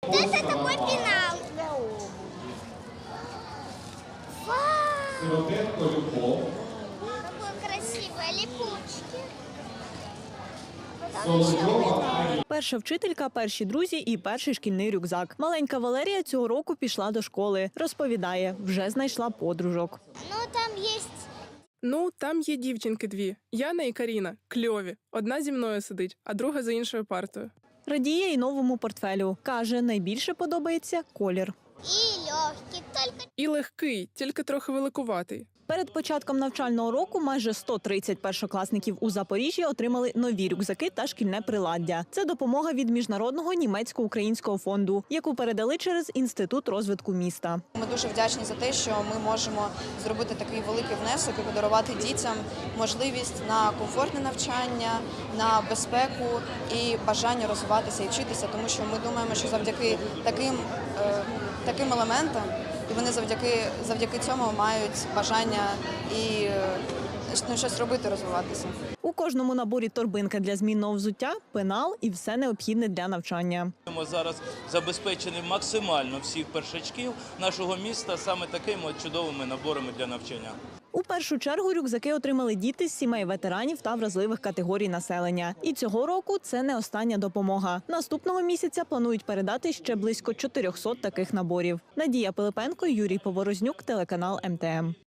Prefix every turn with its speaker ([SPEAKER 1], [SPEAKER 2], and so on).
[SPEAKER 1] Вот это такой пенал. Вау! Какой красивый, липучки. Там еще пенал.
[SPEAKER 2] Перша вчителька, перші друзі і перший шкільний рюкзак. Маленька Валерія цього року пішла до школи. Розповідає, вже знайшла подружок.
[SPEAKER 3] Там є дівчинки дві. Яна і Каріна. Кльові. Одна зі мною сидить, а друга за іншою партою.
[SPEAKER 2] Радіє й новому портфелю. Каже, найбільше подобається колір.
[SPEAKER 1] И легкий, только
[SPEAKER 3] І легкий, тільки трохи великуватий.
[SPEAKER 2] Перед початком навчального року майже 130 першокласників у Запоріжжі отримали нові рюкзаки та шкільне приладдя. Це допомога від Міжнародного німецько-українського фонду, яку передали через Інститут розвитку міста.
[SPEAKER 4] Ми дуже вдячні за те, що ми можемо зробити такий великий внесок і подарувати дітям можливість на комфортне навчання, на безпеку і бажання розвиватися і вчитися, тому що ми думаємо, що завдяки таким елементам і вони завдяки цьому мають бажання і щось робити, розвиватися.
[SPEAKER 2] У кожному наборі торбинка для змінного взуття, пенал і все необхідне для навчання.
[SPEAKER 5] Ми зараз забезпечені максимально всіх першачків нашого міста саме такими чудовими наборами для навчання.
[SPEAKER 2] У першу чергу рюкзаки отримали діти з сімей ветеранів та вразливих категорій населення. І цього року це не остання допомога. Наступного місяця планують передати ще близько 400 таких наборів. Надія Пилипенко, Юрій Поворознюк, телеканал МТМ.